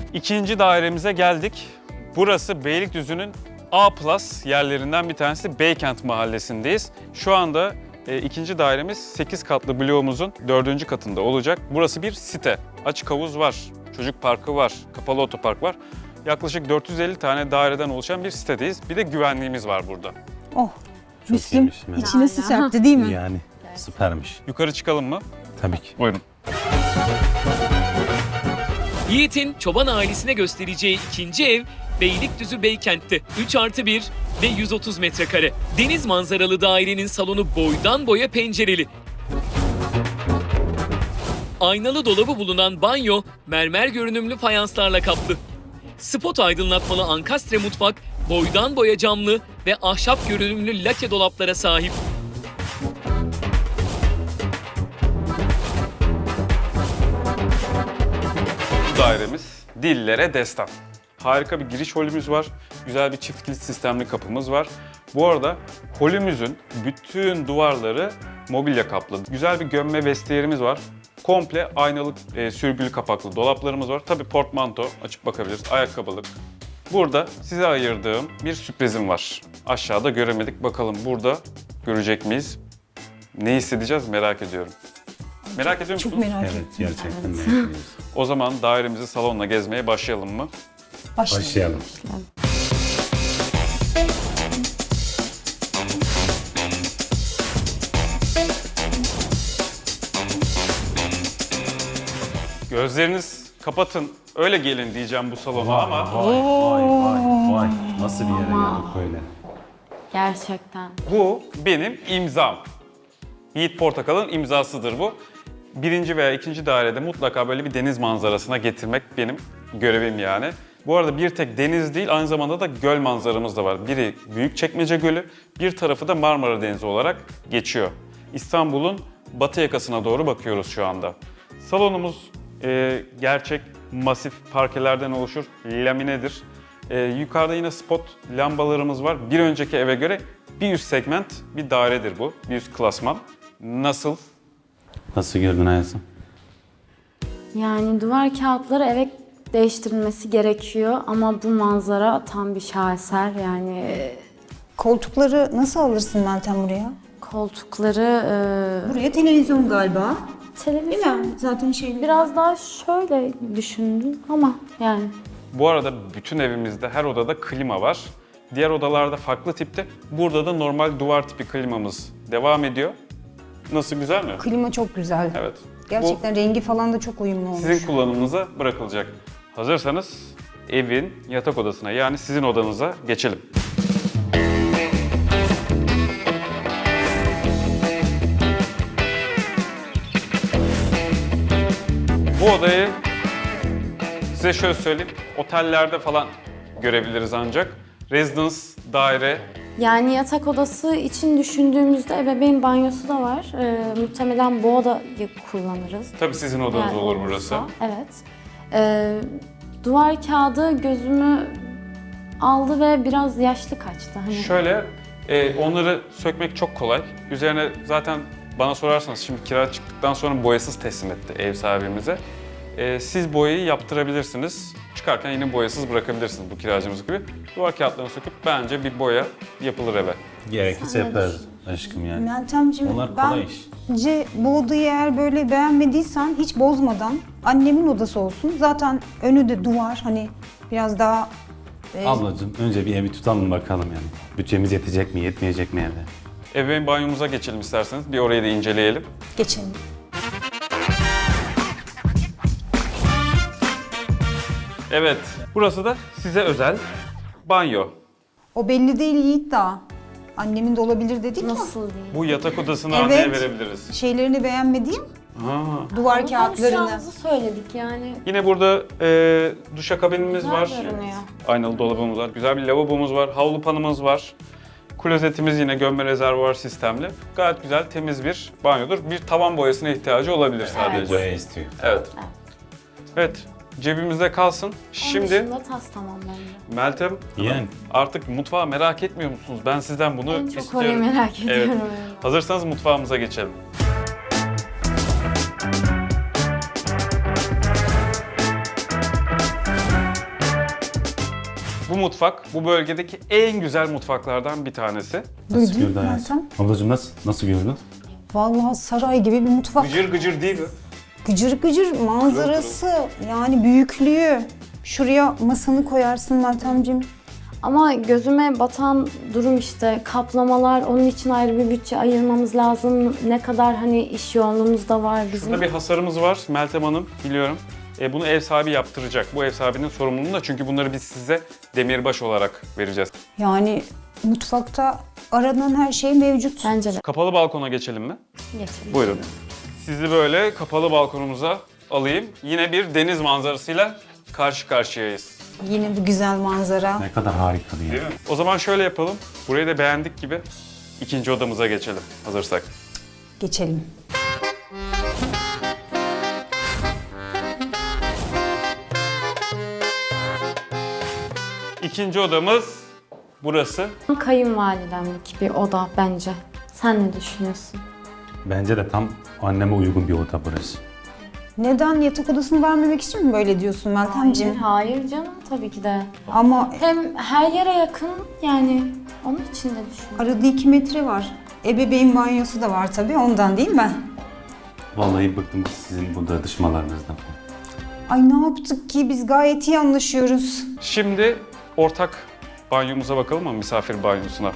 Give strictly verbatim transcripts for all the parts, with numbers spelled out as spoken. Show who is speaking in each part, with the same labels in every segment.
Speaker 1: İkinci dairemize geldik. Burası Beylikdüzü'nün A plus yerlerinden bir tanesi, Beykent Mahallesi'ndeyiz. Şu anda e, ikinci dairemiz sekiz katlı bloğumuzun dördüncü katında olacak. Burası bir site. Açık havuz var, çocuk parkı var, kapalı otopark var. Yaklaşık dört yüz elli tane daireden oluşan bir sitedeyiz. Bir de güvenliğimiz var burada.
Speaker 2: Oh,
Speaker 3: Çok
Speaker 2: Müslüm
Speaker 3: iyiymiş, evet.
Speaker 2: içine su serpti değil mi?
Speaker 3: Yani süpermiş.
Speaker 1: Yukarı çıkalım mı?
Speaker 3: Tabii ki.
Speaker 1: Buyurun.
Speaker 4: Yiğit'in çoban ailesine göstereceği ikinci ev Beylikdüzü Beykent'te. üç artı bir ve yüz otuz metrekare. Deniz manzaralı dairenin salonu boydan boya pencereli. Aynalı dolabı bulunan banyo mermer görünümlü fayanslarla kaplı. Spot aydınlatmalı ankastre mutfak boydan boya camlı ve ahşap görünümlü lake dolaplara sahip.
Speaker 1: Bu dairemiz dillere destan. Harika bir giriş holümüz var. Güzel bir çift kilit sistemli kapımız var. Bu arada holümüzün bütün duvarları mobilya kaplı. Güzel bir gömme vestiyerimiz var. Komple aynalı e, sürgülü kapaklı dolaplarımız var. Tabii portmanto açıp bakabiliriz. Ayakkabılık. Burada size ayırdığım bir sürprizim var. Aşağıda göremedik. Bakalım burada görecek miyiz? Ne hissedeceğiz merak ediyorum. Merak ediyor musunuz?
Speaker 2: Çok merak ettim.
Speaker 3: Evet, gerçekten merak ediyoruz.
Speaker 1: O zaman dairemizi salonla gezmeye başlayalım mı?
Speaker 3: Başlayalım.
Speaker 1: Gözleriniz kapatın, öyle gelin diyeceğim bu salona
Speaker 3: Vay,
Speaker 1: ama
Speaker 3: vay, vay, vay, vay. Nasıl bir yere geldik böyle?
Speaker 5: Gerçekten.
Speaker 1: bu benim imzam. Yiğit Portakal'ın imzasıdır bu. Birinci veya ikinci dairede mutlaka böyle bir deniz manzarasına getirmek benim görevim yani. Bu arada bir tek deniz değil, aynı zamanda da göl manzaramız da var. Biri Büyükçekmece Gölü, bir tarafı da Marmara Denizi olarak geçiyor. İstanbul'un batı yakasına doğru bakıyoruz şu anda. Salonumuz e, gerçek masif parkelerden oluşur, laminedir. E, yukarıda yine spot lambalarımız var. Bir önceki eve göre bir üst segment bir dairedir bu, bir üst klasman. Nasıl?
Speaker 3: Nasıl gördün hayatım?
Speaker 5: Yani duvar kağıtları evet değiştirilmesi gerekiyor ama bu manzara tam bir şaheser. Yani
Speaker 2: Koltukları nasıl alırsın Meltem buraya?
Speaker 5: koltukları, e,
Speaker 2: Buraya televizyon galiba. Değil
Speaker 5: televizyon
Speaker 2: mi? Zaten şey
Speaker 5: biraz daha şöyle düşündüm ama yani
Speaker 1: Bu arada bütün evimizde her odada klima var. Diğer odalarda farklı tipte. Burada da normal duvar tipi klimamız devam ediyor. Nasıl, güzel mi?
Speaker 2: Klima çok güzel.
Speaker 1: Evet.
Speaker 2: Gerçekten rengi falan da çok uyumlu
Speaker 1: Bu
Speaker 2: olmuş.
Speaker 1: sizin kullanımınıza bırakılacak. Hazırsanız evin yatak odasına, yani sizin odanıza geçelim. Bu odayı size şöyle söyleyeyim, otellerde falan görebiliriz ancak. Residence, daire,
Speaker 5: yani yatak odası için düşündüğümüzde ebeveyn banyosu da var. E, muhtemelen bu odayı kullanırız.
Speaker 1: tabii sizin odanız
Speaker 5: Yani
Speaker 1: olur
Speaker 5: olursa,
Speaker 1: burası.
Speaker 5: Evet. E, duvar kağıdı gözümü aldı ve biraz yaşlı kaçtı. Hani
Speaker 1: Şöyle, e, onları sökmek çok kolay. Üzerine zaten bana sorarsanız şimdi kira çıktıktan sonra boyasız teslim etti ev sahibimize. E, siz boyayı yaptırabilirsiniz. Çıkarken yine boyasız bırakabilirsiniz bu kiracımız gibi. Duvar kağıtlarını söküp bence bir boya yapılır eve.
Speaker 3: Gerekirse yaparız aşkım yani.
Speaker 2: Meltemciğim,
Speaker 3: Onlar kolay iş.
Speaker 2: bence bu odayı eğer böyle beğenmediysen hiç bozmadan annemin odası olsun. Zaten önü de duvar, hani biraz daha e,
Speaker 3: Ablacığım önce bir evi tutalım bakalım yani. Bütçemiz yetecek mi, yetmeyecek mi evde?
Speaker 1: Ebeveyn banyomuza geçelim isterseniz. Bir orayı da inceleyelim.
Speaker 2: geçelim.
Speaker 1: Evet, burası da size özel banyo.
Speaker 2: O belli değil Yiğit daha. Annemin de olabilir dedik ya.
Speaker 5: nasıl diyeyim?
Speaker 1: Bu yatak odasını
Speaker 2: Evet.
Speaker 1: anneye verebiliriz.
Speaker 2: Şeylerini beğenmediğim
Speaker 1: Ha.
Speaker 2: duvar
Speaker 5: Ama
Speaker 2: kağıtlarını.
Speaker 5: konuşacağımızı söyledik yani.
Speaker 1: Yine burada e, duşakabinimiz
Speaker 5: Güzel
Speaker 1: var.
Speaker 5: görünüyor.
Speaker 1: Aynalı dolabımız var. Güzel bir lavabomuz var. Havlu panımız var. Klozetimiz yine gömme rezervuar sistemli. Gayet güzel, temiz bir banyodur. Bir tavan boyasına ihtiyacı olabilir sadece.
Speaker 3: Boya istiyor.
Speaker 1: Evet. Evet. Cebimizde kalsın.
Speaker 5: Onun
Speaker 1: Şimdi
Speaker 5: dışında tas tamam bence.
Speaker 1: Meltem,
Speaker 3: Yani.
Speaker 1: artık mutfağı merak etmiyor musunuz? Ben sizden bunu
Speaker 5: En çok
Speaker 1: istiyorum.
Speaker 5: orayı merak ediyorum.
Speaker 1: Evet. Hazırsanız mutfağımıza geçelim. Bu mutfak bu bölgedeki en güzel mutfaklardan bir tanesi.
Speaker 3: Nasıl
Speaker 2: Duydun
Speaker 3: gördün hayatım?
Speaker 2: Meltem?
Speaker 3: Ablacığım nasıl, nasıl gördün?
Speaker 2: Vallahi saray gibi bir mutfak.
Speaker 1: Gıcır gıcır değil mi?
Speaker 2: Gıcır gıcır manzarası, yani büyüklüğü. Şuraya masanı koyarsın Meltemciğim.
Speaker 5: Ama gözüme batan durum işte kaplamalar, onun için ayrı bir bütçe ayırmamız lazım. Ne kadar hani iş yoğunluğumuz da var bizim.
Speaker 1: Burada bir hasarımız var Meltem Hanım, biliyorum. E, bunu ev sahibi yaptıracak. Bu ev sahibinin sorumluluğu da, çünkü bunları biz size demirbaş olarak vereceğiz.
Speaker 2: Yani mutfakta aranan her şey mevcut.
Speaker 5: Bence de.
Speaker 1: Kapalı balkona geçelim mi?
Speaker 5: Geçelim.
Speaker 1: Buyurun. Sizi böyle kapalı balkonumuza alayım. Yine bir deniz manzarasıyla karşı karşıyayız.
Speaker 2: Yine bu güzel manzara.
Speaker 3: Ne kadar harika değil mi?
Speaker 1: Değil mi? O zaman şöyle yapalım. Burayı da beğendik gibi ikinci odamıza geçelim hazırsak.
Speaker 2: Geçelim.
Speaker 1: İkinci odamız burası.
Speaker 5: Kayınvalidemlik bir oda bence. Sen ne düşünüyorsun?
Speaker 3: Bence de tam anneme uygun bir oda burası.
Speaker 2: Neden yatak odasını vermemek için mi böyle diyorsun Meltemciğim?
Speaker 5: Hayır canım tabii ki de.
Speaker 2: Ama
Speaker 5: Hem her yere yakın yani onun için de düşünüyorum.
Speaker 2: arada iki metre var. Ebeveyn banyosu da var tabii, ondan değil mi?
Speaker 3: Vallahi bıktım sizin bu dışmalarınızdan.
Speaker 2: Ay ne yaptık ki, biz gayet iyi anlaşıyoruz.
Speaker 1: Şimdi ortak banyomuza bakalım mı, misafir banyosuna?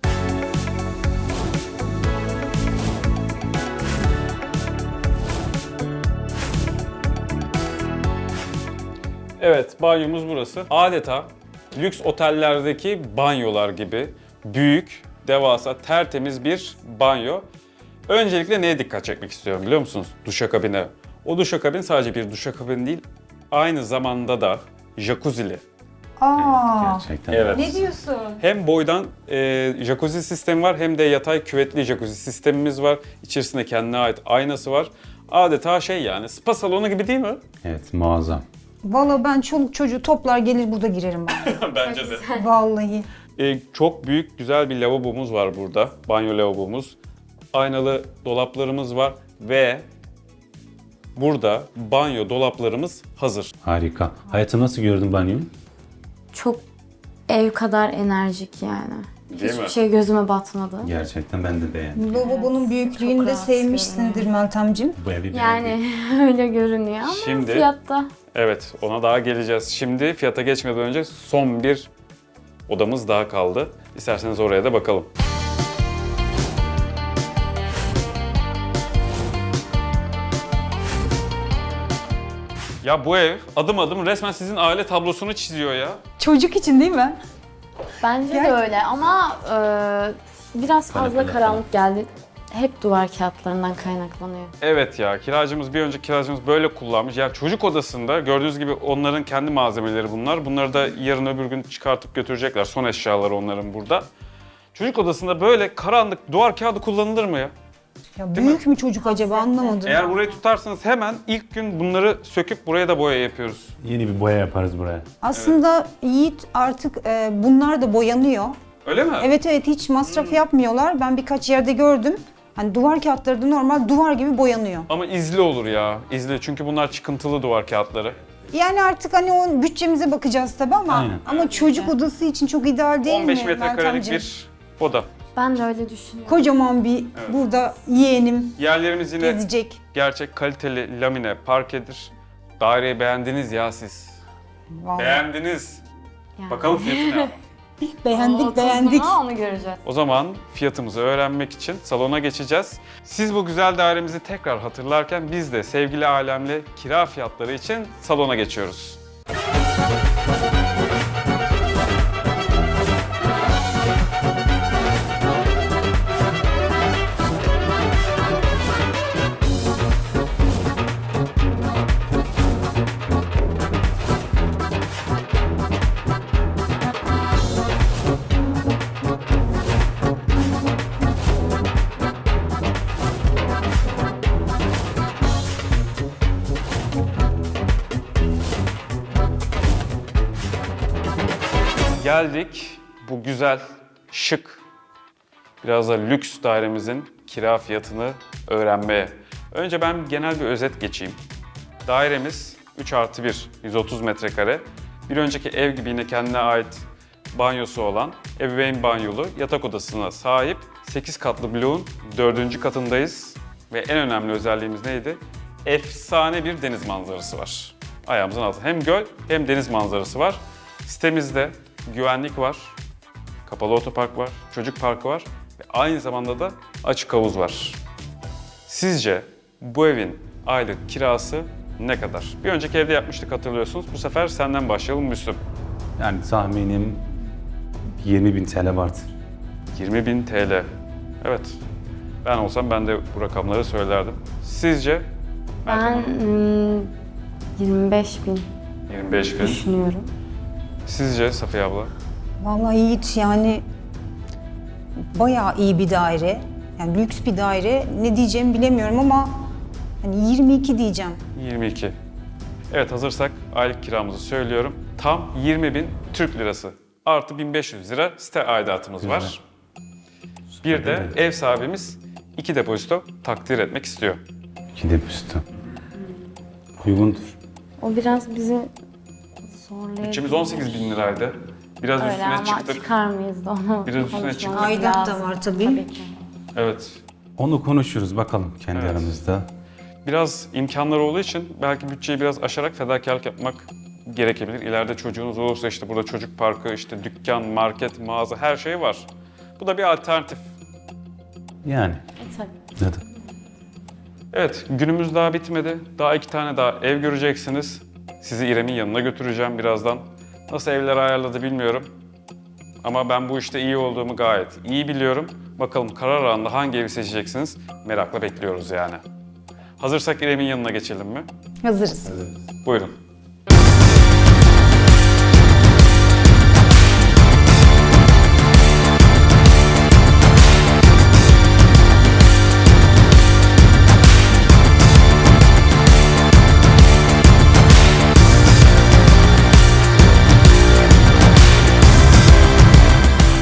Speaker 1: Evet, banyomuz burası. Adeta lüks otellerdeki banyolar gibi büyük, devasa, tertemiz bir banyo. Öncelikle neye dikkat çekmek istiyorum biliyor musunuz? Duşakabine. O duşakabin sadece bir duşakabin değil, aynı zamanda da jacuzzi'li.
Speaker 2: Aa,
Speaker 3: Gerçekten.
Speaker 1: Evet.
Speaker 2: ne diyorsun?
Speaker 1: Hem boydan e, jacuzzi sistemi var, hem de yatay küvetli jacuzzi sistemimiz var. İçerisinde kendine ait aynası var. Adeta şey, yani spa salonu gibi değil mi?
Speaker 3: Evet, muazzam.
Speaker 2: Valla ben çoluk çocuğu toplar gelir burada girerim ben.
Speaker 1: Bence de.
Speaker 2: Vallahi.
Speaker 1: E, çok büyük, güzel bir lavabomuz var burada. Banyo lavabomuz. Aynalı dolaplarımız var ve burada banyo dolaplarımız hazır.
Speaker 3: Harika. Hayatım nasıl gördün banyoyu?
Speaker 5: Çok ev kadar enerjik yani.
Speaker 1: Değil
Speaker 5: Hiçbir
Speaker 1: mi?
Speaker 5: şey gözüme batmadı.
Speaker 3: Gerçekten ben de beğendim.
Speaker 2: Lavabonun büyüklüğünü
Speaker 5: çok
Speaker 2: de
Speaker 5: rahat
Speaker 2: sevmişsindir Meltemciğim.
Speaker 3: Bu evi beğendim.
Speaker 5: Yani öyle görünüyor ama
Speaker 1: Şimdi-
Speaker 5: fiyatta.
Speaker 1: Evet, ona daha geleceğiz. Şimdi fiyata geçmeden önce son bir odamız daha kaldı. İsterseniz oraya da bakalım. Ya bu ev adım adım resmen sizin aile tablosunu çiziyor ya.
Speaker 2: Çocuk için değil mi?
Speaker 5: Bence de
Speaker 2: Gerçekten.
Speaker 5: öyle ama e, biraz fazla
Speaker 3: Kanepeler
Speaker 5: karanlık geldi. Hep duvar kağıtlarından kaynaklanıyor.
Speaker 1: Evet ya, kiracımız, bir önceki kiracımız böyle kullanmış. Yani çocuk odasında gördüğünüz gibi onların kendi malzemeleri bunlar. Bunları da yarın öbür gün çıkartıp götürecekler. Son eşyaları onların burada. Çocuk odasında böyle karanlık duvar kağıdı kullanılır mı ya?
Speaker 2: Ya
Speaker 1: Değil
Speaker 2: büyük mü çocuk acaba, anlamadım.
Speaker 1: Eğer burayı tutarsanız hemen ilk gün bunları söküp buraya da boya yapıyoruz.
Speaker 3: Yeni bir boya yaparız buraya.
Speaker 2: Aslında Yiğit artık e, bunlar da boyanıyor.
Speaker 1: Öyle mi?
Speaker 2: Evet evet, hiç masraf yapmıyorlar. Ben birkaç yerde gördüm. Hani duvar kağıtları da normal duvar gibi boyanıyor.
Speaker 1: Ama izli olur ya, izli. Çünkü bunlar çıkıntılı duvar kağıtları.
Speaker 2: Yani artık hani o bütçemize bakacağız tabii ama
Speaker 3: Aynen.
Speaker 2: ama çocuk odası için çok ideal değil
Speaker 1: on beş
Speaker 2: mi
Speaker 1: metrekarelik
Speaker 2: Meltemciğim?
Speaker 1: bir oda.
Speaker 5: Ben de öyle düşünüyorum.
Speaker 2: Kocaman bir burada yeğenim
Speaker 1: Yerlerimiz yine
Speaker 2: gezecek.
Speaker 1: gerçek kaliteli lamine parkedir. Daireyi beğendiniz ya siz.
Speaker 2: Vallahi.
Speaker 1: Beğendiniz.
Speaker 5: Yani.
Speaker 1: Bakalım fiyatı ne?
Speaker 2: Beğendik
Speaker 5: Otuz
Speaker 2: beğendik.
Speaker 5: buna onu göreceğiz.
Speaker 1: O zaman fiyatımızı öğrenmek için salona geçeceğiz. Siz bu güzel dairemizi tekrar hatırlarken biz de sevgili alemle kira fiyatları için salona geçiyoruz. Geldik bu güzel, şık, biraz da lüks dairemizin kira fiyatını öğrenmeye. Önce ben genel bir özet geçeyim. Dairemiz üç artı bir, yüz otuz metrekare. Bir önceki ev gibi yine kendine ait banyosu olan, ebeveyn banyolu yatak odasına sahip sekiz katlı bloğun dördüncü katındayız. Ve en önemli özelliğimiz neydi? Efsane bir deniz manzarası var. Ayağımızın altında hem göl hem deniz manzarası var. Sitemizde güvenlik var, kapalı otopark var, çocuk parkı var ve aynı zamanda da açık havuz var. Sizce bu evin aylık kirası ne kadar? Bir önceki evde yapmıştık hatırlıyorsunuz. Bu sefer senden başlayalım Müslüm.
Speaker 3: Yani tahminim yirmi bin T L vardır.
Speaker 1: yirmi bin T L. Evet. Ben olsam ben de bu rakamları söylerdim. Sizce?
Speaker 5: Ben hmm, yirmi beş bin
Speaker 1: yirmi beş bin.
Speaker 5: düşünüyorum.
Speaker 1: Sizce Safiye abla?
Speaker 2: Vallahi Yiğit yani bayağı iyi bir daire. Yani lüks bir daire. Ne diyeceğimi bilemiyorum ama hani yirmi iki diyeceğim.
Speaker 1: yirmi iki. Evet, hazırsak aylık kiramızı söylüyorum. Tam yirmi bin Türk lirası. Artı bin beş yüz lira site aidatımız var. Bir de ev sahibimiz iki depozito takdir etmek istiyor.
Speaker 3: İki depozito. Uygundur.
Speaker 5: O biraz bizi zorlayabilir.
Speaker 1: Bütçemiz on sekiz bin liraydı. Biraz
Speaker 5: Öyle
Speaker 1: üstüne
Speaker 5: ama
Speaker 1: çıktık.
Speaker 5: çıkar mıyız da onu
Speaker 1: Biraz üstüne
Speaker 5: konuşmamız
Speaker 1: çıktık.
Speaker 2: Aidat da
Speaker 5: lazım.
Speaker 2: var tabii.
Speaker 5: Tabii ki.
Speaker 1: Evet.
Speaker 3: Onu konuşuruz bakalım kendi
Speaker 1: Evet.
Speaker 3: aramızda.
Speaker 1: Biraz imkanlar olduğu için belki bütçeyi biraz aşarak fedakarlık yapmak gerekebilir. İleride çocuğunuz olursa işte burada çocuk parkı, işte dükkan, market, mağaza her şey var. Bu da bir alternatif.
Speaker 3: Yani.
Speaker 5: E, tabii.
Speaker 3: Neden?
Speaker 1: Evet, günümüz daha bitmedi. Daha iki tane daha ev göreceksiniz. Sizi İrem'in yanına götüreceğim birazdan. Nasıl evler ayarladı bilmiyorum. Ama ben bu işte iyi olduğumu gayet iyi biliyorum. Bakalım karar anında hangi evi seçeceksiniz? Merakla bekliyoruz yani. Hazırsak İrem'in yanına geçelim mi?
Speaker 2: Hazırız.
Speaker 1: Buyurun.